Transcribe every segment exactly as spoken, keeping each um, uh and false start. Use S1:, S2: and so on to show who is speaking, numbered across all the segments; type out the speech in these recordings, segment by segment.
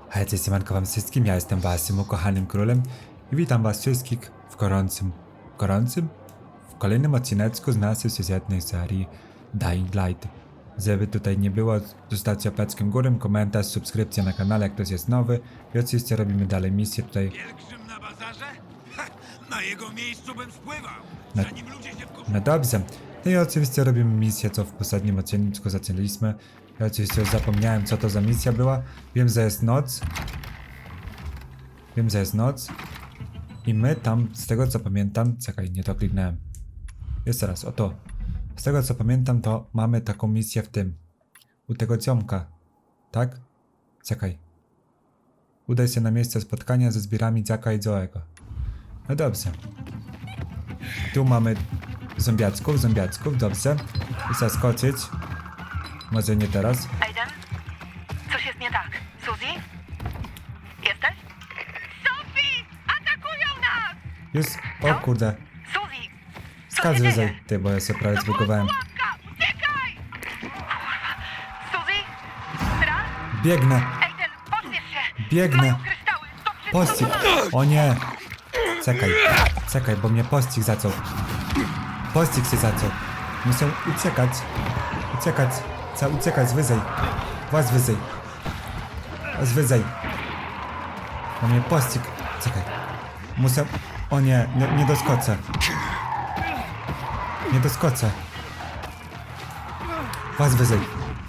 S1: Hej, cześć, siemanko wam wszystkim, ja jestem waszym ukochanym królem i witam was wszystkich w gorącym, gorącym? W kolejnym odcineczku z naszej sezonnej serii Dying Light. Żeby tutaj nie było, zostawcie łapeczkę górę, komentarz, subskrypcja na kanale, jak ktoś jest nowy i oczywiście robimy dalej misję tutaj.
S2: Pielgrzym na bazarze? Ha, na jego miejscu bym spływał,
S1: Na-
S2: zanim ludzie się wkurzą.
S1: No dobrze. No i oczywiście robimy misję, co w poprzednim odcinku zaczęliśmy. Ja oczywiście już zapomniałem, co to za misja była. Wiem, że jest noc. Wiem, że jest noc. I my tam, z tego co pamiętam... Czekaj, nie to kliknąłem. Jeszcze raz, oto. Z tego co pamiętam, to mamy taką misję w tym. U tego ciomka. Tak? Czekaj. Udaj się na miejsce spotkania ze zbierami Jacka i Joe'ego. No dobrze. Tu mamy zombiaczków, zombiaczków, dobrze. I zaskoczyć. Może nie teraz.
S3: Aiden? Coś jest nie tak. Suzy? Jesteś? Sophie! Atakują nas!
S1: Już, o kurde.
S3: Suzy! Co
S1: Skacz
S3: się dzieje?
S1: wyżej, ty, bo ja się prawie zbugowałem.
S3: Pułapka! Uciekaj! Kurwa. Suzy? Raz?
S1: Biegnę,
S3: Aiden, pośpiesz się!
S1: Biegnę.
S3: Mają kryształy! To wszystko
S1: pościg.
S3: to
S1: O nie. Czekaj, czekaj, bo mnie pościg zaczął. Pościg się zaczął. Muszę uciekać. Uciekać. Trzeba uciekać wyżej. Was wyżej. Was wyżej. Bo mnie pościg. Czekaj. Muszę... O nie, nie, nie doskoczę. Nie doskoczę. Was wyżej.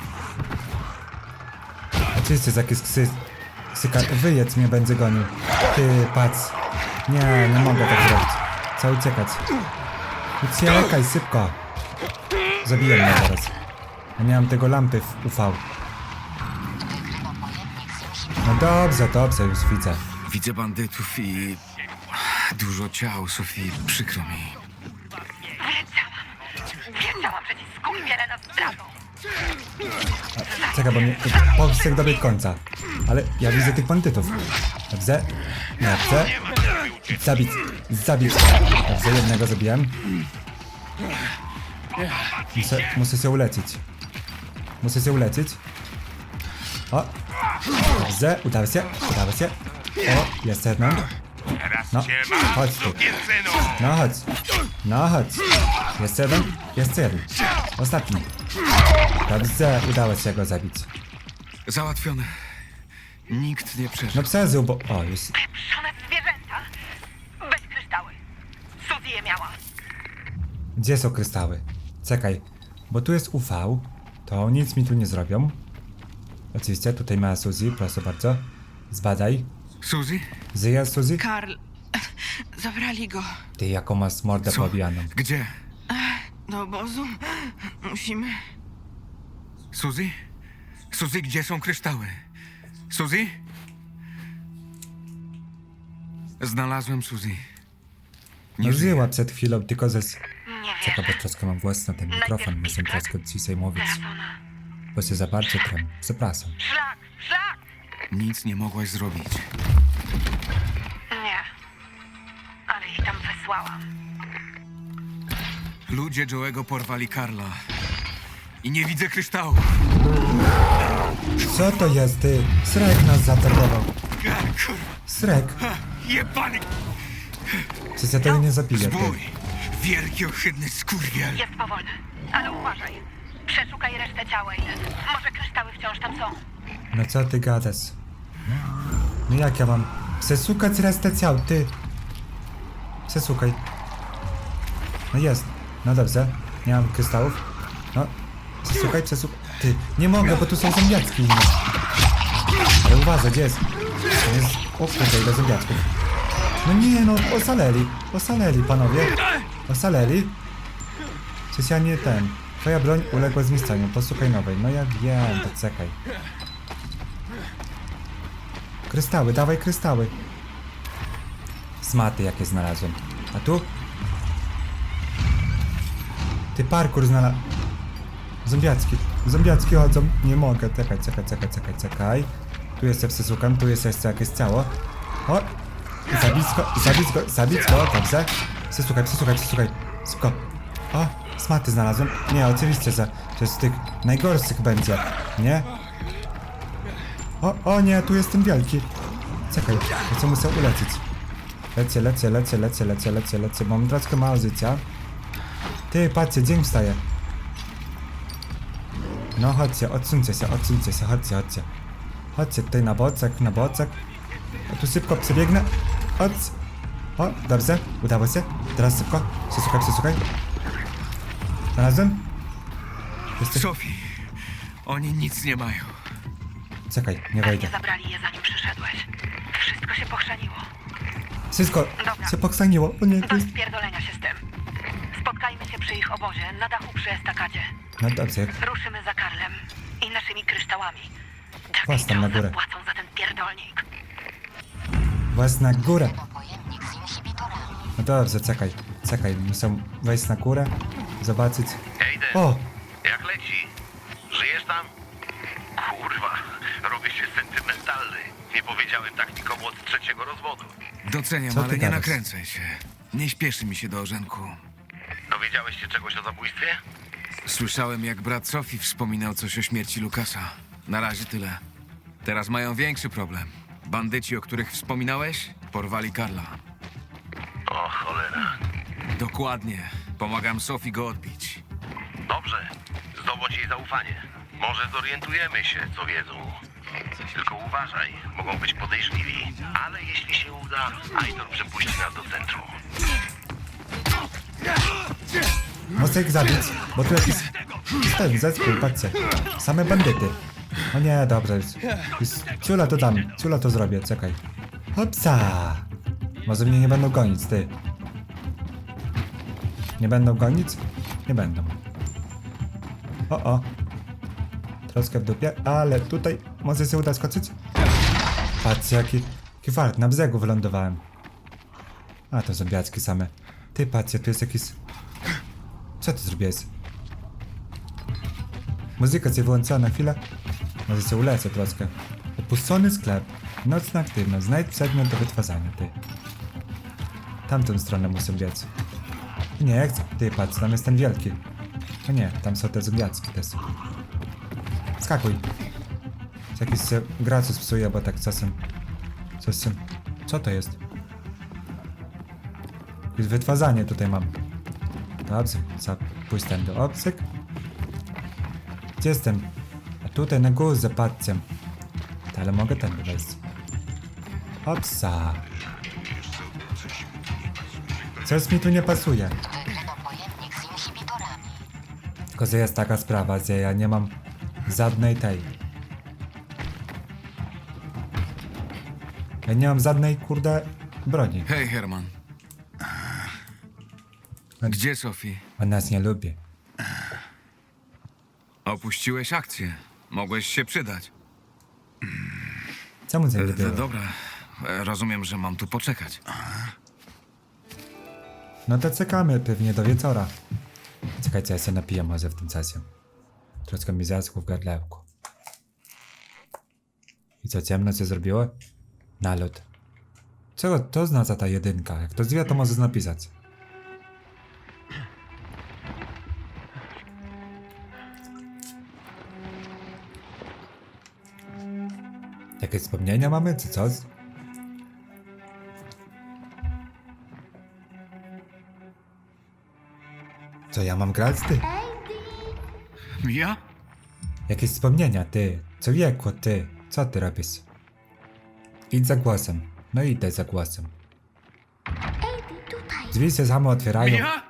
S1: Oczywiście, że jakiś ksy... Ksyka... Wyjedz mnie będzie gonił. Ty, patrz. Nie, nie mogę tak zrobić. Trzeba uciekać. Uciekaj, szybko. Zabiję mnie zaraz. Ja nie mam tego lampy w U V. No dobrze, dobrze, już widzę.
S2: Widzę bandytów i dużo ciał, Sofii, przykro mi.
S3: Wiedziałam, że ci skurwiele nas zdradzą.
S1: Czekaj, bo mnie... Powstrzymaj dobiegł końca. Ale ja widzę tych bandytów. Dobrze? Dobrze. Zabić. Zabić. Dobrze, jednego zabiłem. Muszę, muszę się ulecić. Muszę się ulecić. O. Dobrze, udało się. Udało się. O, jest jeden. No, chodź tu. No chodź. No chodź. Jest jeden. Jest jeden. Ostatni. Dobrze, udało się go zabić.
S2: Załatwione. Nikt nie przeżył.
S1: No przeżył, bo... O, już...
S3: Pieprzone zwierzęta! Weź kryształy. Suzy je miała.
S1: Gdzie są kryształy? Czekaj, bo tu jest U V, to nic mi tu nie zrobią. Oczywiście, tutaj ma Suzy, proszę bardzo. Zbadaj.
S2: Suzy?
S1: Żyje Suzy?
S4: Karl, zabrali go
S1: Ty, jaką masz mordę
S2: Co?
S1: pobijaną.
S2: Gdzie?
S4: do obozu. Musimy...
S2: Suzy? Suzy, gdzie są kryształy? Suzy? Znalazłem Suzy.
S1: No
S2: Nie żyje.
S1: żyła przed chwilą, tylko ze...
S3: Nie
S1: Czekaj,
S3: wierzę.
S1: bo troszkę mam głos na ten mikrofon, muszę troszkę ciszej mówić.
S3: Teraz ona.
S1: Bo się za bardzo trem. Przepraszam.
S3: Szlak! Szlak!
S2: Nic nie mogłaś zrobić.
S3: Nie. Ale ich tam wysłałam.
S2: Ludzie Joe'ego porwali Karla. I nie widzę kryształów.
S1: Co to jest, ty? Srek nas zaatakował.
S2: Kurwa,
S1: Srek.
S2: jebany
S1: Czy się tego nie zabije, ty?
S2: zbój. Wielki, ohydny skurwiel.
S3: Jest powolny. Ale uważaj. Przeszukaj resztę ciała, Aiden. Może kryształy wciąż tam są.
S1: No co ty gadasz? No jak ja mam przesukać resztę ciał, ty? Przesukaj. No jest. No dobrze. Nie mam krystałów. No. Przesukaj, przesukaj. Ty, nie mogę, bo tu są zombiaczki inne. Ale uważaj, gdzie jest? To jest... O kurde, ile zombiaczków. No nie, no, osaleli. Osaleli, panowie. Osaleli. Przecież ja nie ten. Twoja broń uległa zniszczeniu. Posłuchaj nowej. No ja wiem, to czekaj. Kryształy, dawaj kryształy. Smaty jakie znalazłem. A tu? Ty, parkour znalazłem. Zombiacki. Zombiacki chodzą. Nie mogę. Czekaj, czekaj, czekaj, czekaj, czekaj. Tu jeszcze przesłucham, tu jest jeszcze jakieś ciało. O! Zabić go, zabić go, zabić go, dobrze. Przesłuchaj, przesłuchaj, przesłuchaj. Szybko. O! Smaty znalazłem. Nie, oczywiście, że to jest z tych najgorszych będzie. Nie? O, o nie, tu jest ten wielki. Czekaj, ja co muszę ulecieć. Lecę, lecę, lecę, lecę, lecę, lecę, lecę. Mam troszkę mało życia. Ty, patrzcie, dzień wstaje. No chodźcie, odsuńcie się, odsuńcie się, chodźcie, chodźcie. Chodźcie tutaj na bocek, na bocek. O, tu szybko przebiegnę. Chodź. O, dobrze, udało się. Teraz szybko. Przesłuchaj, przesłuchaj. Znalazłem? Jesteś...
S2: Sophie, oni nic nie mają.
S1: Czekaj, nie wejdę.
S3: Pewnie zabrali je zanim przyszedłeś. Wszystko się pochrzaniło.
S1: Wszystko
S3: Dobra.
S1: się pokstaniło. O nie, to jest...
S3: Bez pierdolenia się z tym. Spotkajmy się przy ich obozie, na dachu przy estakadzie.
S1: No dobrze,
S3: Ruszymy za Karlem i naszymi kryształami. Jack
S1: Włas
S3: i
S1: tam na
S3: Joe
S1: górę.
S3: zapłacą za ten pierdolnik.
S1: włas na górę.
S5: Pojemnik z inhibitorami.
S1: No dobrze, czekaj, czekaj, muszę wejść na górę, zobaczyć.
S6: Ejden,
S1: O,
S6: jak leci? Żyjesz tam? Kurwa, robię się sentymentalny. Nie powiedziałem tak nikomu od trzeciego rozwodu.
S2: Doceniam,
S1: Co ty
S2: ale nie
S1: gadasz?
S2: nakręcaj się. Nie śpieszy mi się do orzenku.
S6: Dowiedziałeś się czegoś o zabójstwie?
S2: Słyszałem, jak brat Sophie wspominał coś o śmierci Lukasa. Na razie tyle. Teraz mają większy problem. Bandyci, o których wspominałeś, porwali Karla.
S6: O cholera.
S2: Dokładnie. Pomagam Sophie go odbić.
S6: Dobrze, zdobądź jej zaufanie. Może zorientujemy się, co wiedzą. Tylko uważaj, mogą być podejrzliwi. Ale jeśli się uda, Aitor przepuści nas do centrum.
S1: muszę ich zabić, bo tu jakiś... Ten zespół, patrzcie. Same bandyty. O nie, dobrze, już, już ciula to dam, ciula to zrobię, czekaj. Hopsa! Może mnie nie będą gonić, ty. Nie będą gonić? Nie będą. O, o. Troszkę w dupie, ale tutaj może się uda skoczyć? Patrzcie, jaki, jaki fart, na brzegu wylądowałem. A, to zombiaczki same. Ty, patrzcie, tu jest jakiś... Co ty zrobiłeś? Muzyka się wyłączyła na chwilę. Może się ulecę troszkę. Opuszczony sklep. Nocna aktywność. Znajdź przedmiot do wytwarzania, ty. Tamtą stronę muszę biec. Nie, chcę. Ty, patrz, tam jest ten wielki. O nie, tam są te zombiacki też. Skakuj. Jakiś się gracus psuje, bo tak czasem... Coś się... Co to jest? Jakieś wytwarzanie tutaj mam. Dobrze, pójść tam do obcyk. Gdzie jestem? A tutaj na górze, patrzcie. Ale mogę tam wejść. Opsa. Coś mi tu nie pasuje.
S5: Wykryto pojemnik z inhibitorami.
S1: Tylko, że jest taka sprawa, że ja nie mam żadnej tej. Ja nie mam żadnej, kurde, broni.
S2: Hej, Herman. Gdzie Sophie?
S1: On nas nie lubi.
S2: Opuściłeś akcję. Mogłeś się przydać.
S1: Co mu
S2: D-
S1: zajebiło?
S2: d- Dobra. E, Rozumiem, że mam tu poczekać.
S1: No to czekamy pewnie do wieczora. Czekajcie, ja się napiję może w tym czasie. Troszkę mi zaschło w gardlełku. I co, ciemno się zrobiło? Nalot. Czego to oznacza ta jedynka? Jak ktoś wie, to może napisać. Jakieś wspomnienia mamy, czy coś? Co ja mam grać, ty?
S2: Mia?
S1: Jakieś wspomnienia, ty. Co wiekło, ty. Co ty robisz? Idź za głosem. No idę za głosem. Drzwi się same otwierają.
S2: Mia?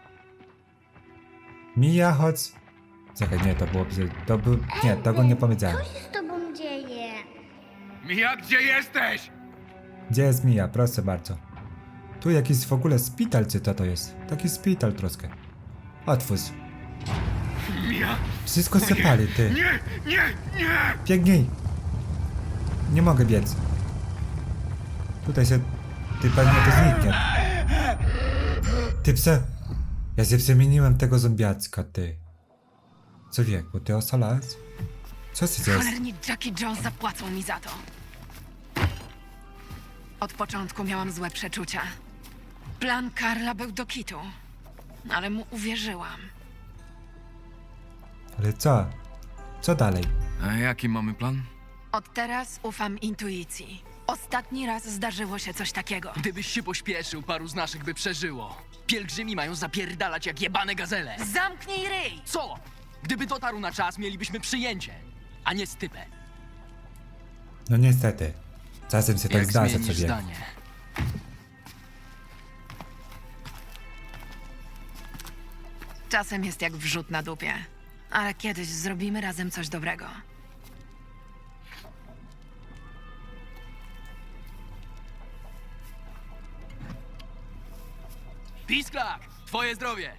S1: Mija, chodź. Czekaj, nie, to było... To był... Nie, tego nie powiedziałem.
S7: Co się z tobą dzieje?
S2: Mia, gdzie jesteś?
S1: Gdzie jest Mija? Proszę bardzo. Tu jakiś w ogóle szpital, czy to to jest? Taki szpital troszkę. Otwórz.
S2: Mia?
S1: Wszystko się pali, ty.
S2: Nie, nie, nie!
S1: Biegnij! Nie mogę biec. Tutaj się... Ty pewnie to zniknie. Ty pse... Ja się przemieniłem tego zombiacka, ty. Co wieku, ty osalałeś? Co się dzieje?
S4: Cholerni Jack i Joe zapłacą mi za to. Od początku miałam złe przeczucia. Plan Karla był do kitu, ale mu uwierzyłam.
S1: Ale co? Co dalej?
S2: A jaki mamy plan?
S4: Od teraz ufam intuicji. Ostatni raz zdarzyło się coś takiego.
S7: Gdybyś się pośpieszył, paru z naszych by przeżyło. Pielgrzymi mają zapierdalać jak jebane gazele.
S4: Zamknij ryj!
S7: Co? Gdyby dotarł na czas, mielibyśmy przyjęcie, a nie stypę.
S1: No niestety. Czasem się tak
S7: Jak
S1: zdarza, co
S7: zmienisz
S1: wie.
S7: zdanie?
S4: Czasem jest jak wrzut na dupie. Ale kiedyś zrobimy razem coś dobrego.
S7: Pisklak! Twoje zdrowie!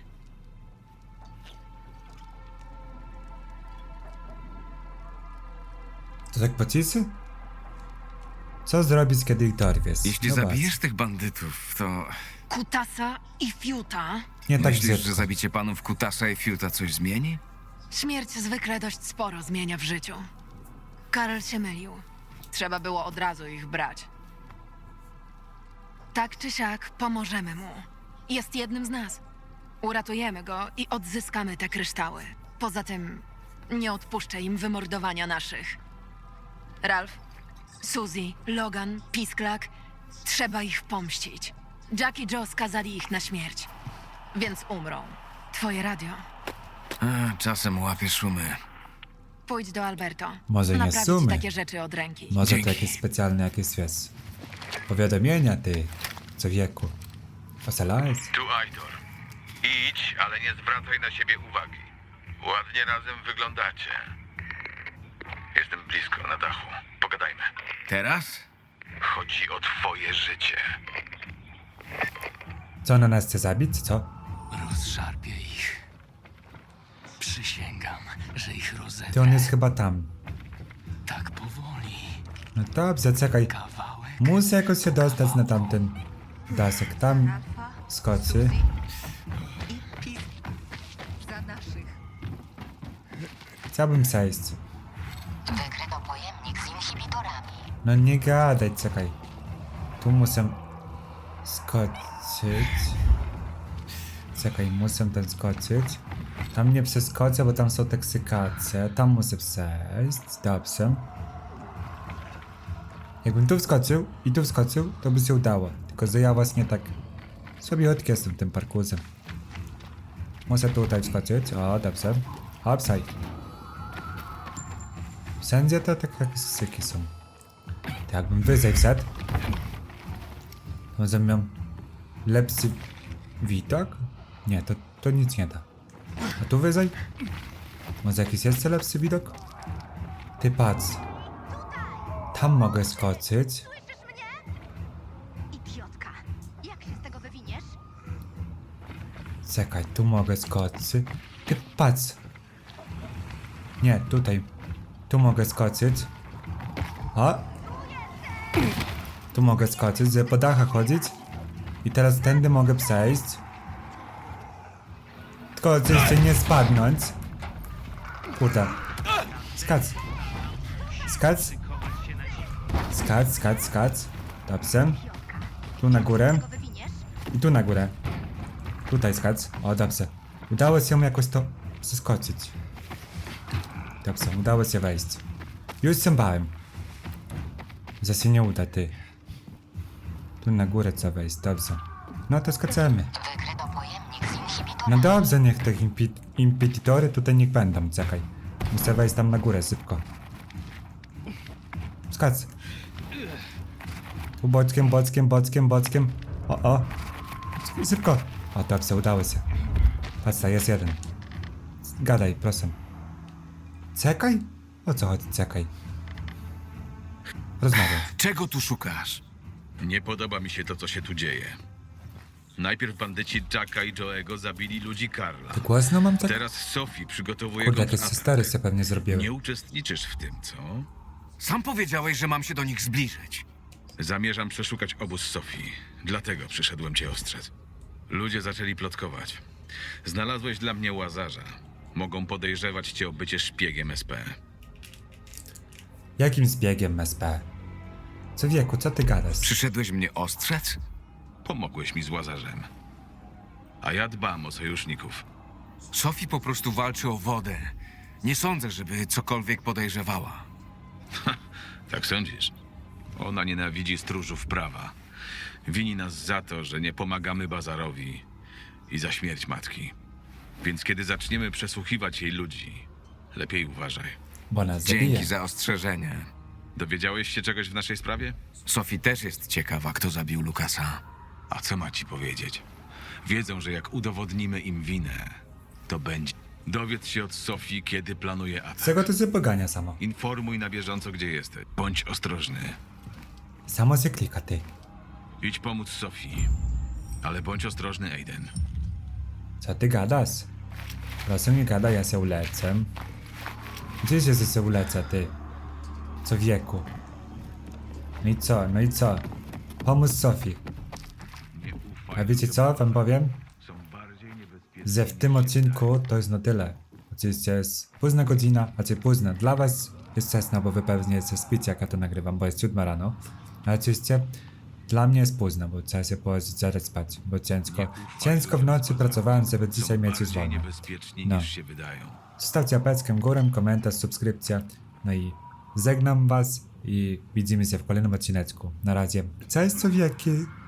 S1: To tak pocisy? Co zrobić, kiedy ich dorwiesz?
S2: Jeśli
S1: Zobacz.
S2: zabijesz tych bandytów, to
S4: Kutasa i Fiuta.
S1: Nie tak
S2: myślisz,
S1: brzydko.
S2: że zabicie panów Kutasa i Fiuta coś zmieni?
S4: Śmierć zwykle dość sporo zmienia w życiu. Karl się mylił. Trzeba było od razu ich brać. Tak czy siak, pomożemy mu. Jest jednym z nas. Uratujemy go i odzyskamy te kryształy. Poza tym, nie odpuszczę im wymordowania naszych. Ralph, Suzy, Logan, Pisklak. Trzeba ich pomścić. Jack i Joe skazali ich na śmierć. Więc umrą. Twoje radio.
S2: A, czasem łapie szumy.
S4: Pójdź do Alberto.
S1: Może nie
S4: Naprawić
S1: sumy.
S4: takie rzeczy od ręki.
S1: Może
S2: Dzięki.
S1: to jakieś specjalne jakieś, wiesz, powiadomienia, ty, co wieku. Osalałeś?
S6: Tu Aitor. Idź, ale nie zwracaj na siebie uwagi. Ładnie razem wyglądacie. Jestem blisko, na dachu. Pogadajmy.
S2: Teraz?
S6: Chodzi o twoje życie.
S1: Co, na nas chce zabić, co?
S7: Rozszarpię ich. Przysięgam, że ich rozetrę.
S1: Ty, on jest chyba tam.
S7: Tak powoli.
S1: No dobrze, czekaj.
S7: Kawałek.
S1: Muszę jakoś się dostać na tamten dasek. Tam skoczy.
S8: Za naszych.
S1: Chciałbym przejść.
S5: Wykryto pojemnik z inhibitorami.
S1: No nie gadaj, czekaj. Tu muszę skoczyć. Czekaj, muszę tam skoczyć. Tam nie przeskoczę, bo tam są toksykacje. Tam muszę przejść. Dobrze. Jakbym tu wskoczył i tu wskoczył, to by się udało. Tylko że ja właśnie tak słabiutki jestem tym parkurzem. Muszę tutaj wskoczyć. O, dobrze. Hopsaj. Wszędzie to tak jak syki są. To jakbym wyżej wszedł, może miał lepszy widok? Nie, to, to nic nie da. A tu wyżej? Może jakiś jeszcze lepszy widok? Ty patrz. Tam mogę skoczyć.
S8: Słyszysz mnie? Idiotka. Jak się z tego wywiniesz?
S1: Czekaj, tu mogę skoczyć. Ty patrz. Nie, tutaj. Tu mogę skoczyć. O! Tu mogę skoczyć, żeby po dachach chodzić. I teraz tędy mogę przejść. Tylko oczywiście nie spadnąć. Kurde. Skacz. Skacz. Skacz, skacz, skacz. Dobrze. Tu na górę.
S8: Go wywiniesz?
S1: I tu na górę. Tutaj skacz. O, dobrze. Udało się jakoś to przeskoczyć. Dobrze, udało się wejść. Już się bałem. Że się nie uda, ty. Tu na górę trzeba wejść, dobrze. No to skaczemy.
S5: Wykryto pojemnik z inhibitorami.
S1: No dobrze, niech te impi impetitory tutaj niech będą, czekaj. Muszę wejść tam na górę, szybko. Skacz. Tu boczkiem, boczkiem, boczkiem, boczkiem. O, o. Szybko. O, dobrze, udało się. Patrz, ta jest jeden. Gadaj, proszę. Czekaj? O co chodzi, czekaj? Rozmawiaj.
S2: Czego tu szukasz?
S6: Nie podoba mi się to, co się tu dzieje. Najpierw bandyci Jacka i Joe'ego zabili ludzi Karla.
S1: Ty głośno mam tak?
S6: Teraz Sophie przygotowuje
S1: Kurde,
S6: go
S1: jakieś
S6: w atak.
S1: stary się pewnie zrobiły.
S6: Nie uczestniczysz w tym, co?
S2: Sam powiedziałeś, że mam się do nich zbliżyć.
S6: Zamierzam przeszukać obóz Sophie. Dlatego przyszedłem cię ostrzec. Ludzie zaczęli plotkować. Znalazłeś dla mnie łazarza. Mogą podejrzewać cię o bycie szpiegiem S P.
S1: Jakim zbiegiem S P? Co wieku, co ty gadasz?
S2: Przyszedłeś mnie ostrzec?
S6: Pomogłeś mi z łazarzem. A ja dbam o sojuszników.
S2: Sophie po prostu walczy o wodę. Nie sądzę, żeby cokolwiek podejrzewała.
S9: Tak sądzisz? Ona nienawidzi stróżów prawa. Wini nas za to, że nie pomagamy Bazarowi i za śmierć matki. Więc kiedy zaczniemy przesłuchiwać jej ludzi, lepiej uważaj.
S1: Bo nas zabije.
S2: Dzięki za ostrzeżenie.
S9: Dowiedziałeś się czegoś w naszej sprawie?
S2: Sophie też jest ciekawa, kto zabił Lukasa.
S9: A co ma ci powiedzieć? Wiedzą, że jak udowodnimy im winę, to będzie. Dowiedz się od Sofii, kiedy planuje atak.
S1: Z czego to się pogania samo?
S9: Informuj na bieżąco, gdzie jesteś. Bądź ostrożny.
S1: Samo się klika, ty.
S9: Idź pomóc Sofii. Ale bądź ostrożny, Aiden.
S1: Co ty gadasz? Proszę nie gada, ja się ulecę. Gdzie się się ulecę, ty? Co wieku? No i co, no i co? Pomóż Sofii.
S9: Nie ufaj.
S1: A wiecie co wam powiem?
S9: Są bardziej niebezpieczne.
S1: Że w tym odcinku to jest na tyle. Oczywiście jest późna godzina, a czy późna dla was jest wczesna, bo wy pewnie się spicie, jak ja to nagrywam, bo jest siódma rano. A oczywiście dla mnie jest późno, bo trzeba się położyć zaraz spać, bo ciężko, ciężko w nocy pracowałem, żeby dzisiaj mieć już
S9: bardziej
S1: wolno.
S9: niebezpieczni
S1: No.
S9: niż się wydają.
S1: Zostawcie apeczkę górę, komentarz, subskrypcja. No i żegnam was i widzimy się w kolejnym odcineczku. Na razie. Cześć, co wieki.